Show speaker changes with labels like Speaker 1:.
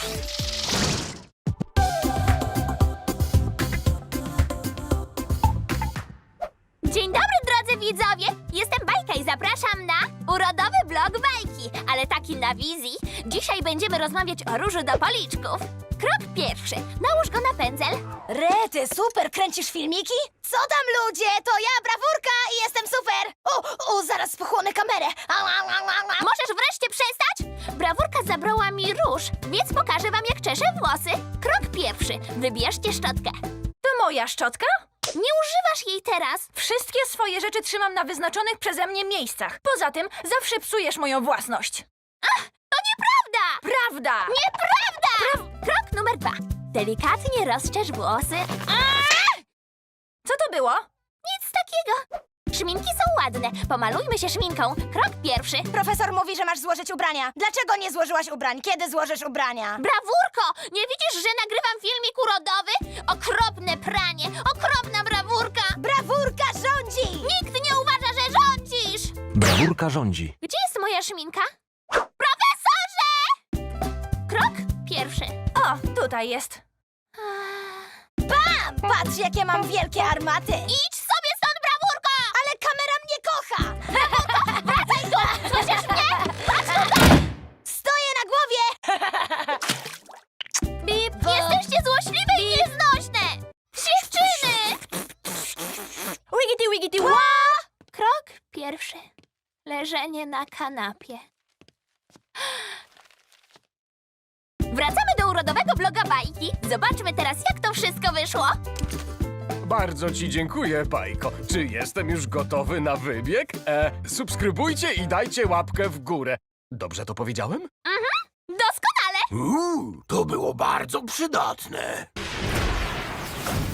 Speaker 1: Dzień dobry, drodzy widzowie! Jestem Bajka i zapraszam na urodowy blog Bajki, ale taki na wizji. Dzisiaj będziemy rozmawiać o różu do policzków. Krok pierwszy. Nałóż go na pędzel.
Speaker 2: Rety, super, kręcisz filmiki? Co tam, ludzie? To ja, Brawurka, i jestem super! Zaraz pochłonę kamerę.
Speaker 1: Możesz wreszcie przestać? Brawurka zabrała mi róż, więc pokażę wam, jak czeszę włosy. Krok pierwszy. Wybierzcie szczotkę.
Speaker 3: To moja szczotka?
Speaker 1: Nie używasz jej teraz.
Speaker 3: Wszystkie swoje rzeczy trzymam na wyznaczonych przeze mnie miejscach. Poza tym zawsze psujesz moją własność.
Speaker 1: To nieprawda!
Speaker 3: Prawda!
Speaker 1: Nieprawda! Krok numer 2. Delikatnie rozczesz włosy.
Speaker 3: Co to było?
Speaker 1: Nic takiego. Szminki są ładne. Pomalujmy się szminką. Krok pierwszy.
Speaker 2: Profesor mówi, że masz złożyć ubrania. Dlaczego nie złożyłaś ubrań? Kiedy złożysz ubrania?
Speaker 1: Brawurko! Nie widzisz, że nagrywam filmik urodowy? Okropne pranie! Okropna brawurka!
Speaker 2: Brawurka rządzi!
Speaker 1: Nikt nie uważa, że rządzisz!
Speaker 4: Brawurka rządzi.
Speaker 1: Gdzie jest moja szminka? Profesorze! Krok pierwszy.
Speaker 3: O, tutaj jest.
Speaker 2: Bam! Patrz, jakie mam wielkie armaty!
Speaker 1: Idź sobie stąd, brawurko!
Speaker 2: Ale kamera mnie kocha!
Speaker 1: Wracaj tu! Słyszysz mnie?
Speaker 2: Stoję na głowie!
Speaker 1: Bip! Jesteście złośliwe i nieznośne! Dziewczyny!
Speaker 3: Wigity, wigity, ła!
Speaker 1: Krok pierwszy. Leżenie na kanapie. Wracamy do urodowego bloga Bajki. Zobaczmy teraz, jak to wszystko wyszło.
Speaker 5: Bardzo ci dziękuję, Bajko. Czy jestem już gotowy na wybieg? Subskrybujcie i dajcie łapkę w górę. Dobrze to powiedziałem?
Speaker 1: Doskonale!
Speaker 6: To było bardzo przydatne.